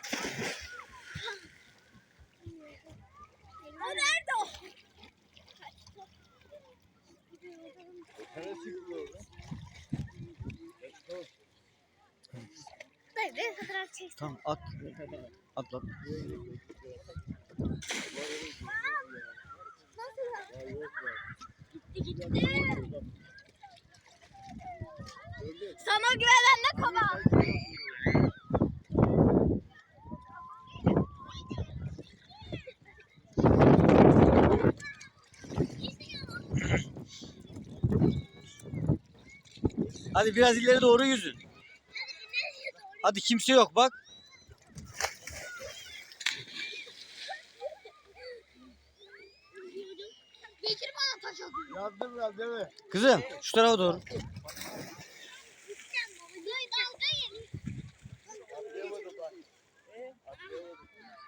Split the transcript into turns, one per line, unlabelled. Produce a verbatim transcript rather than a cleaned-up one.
Nerede o? Dayı bir fotoğraf çeksin.
Tamam at. At at.
Gitti gitti. Sana güvenen ne kaba?
Hadi biraz ileri doğru yüzün. Hadi kimse yok bak.
Bekir bana taş atıyor.
Yardım ver değil mi?
Kızım şu tarafa doğru.
Dayı dalga geliyor.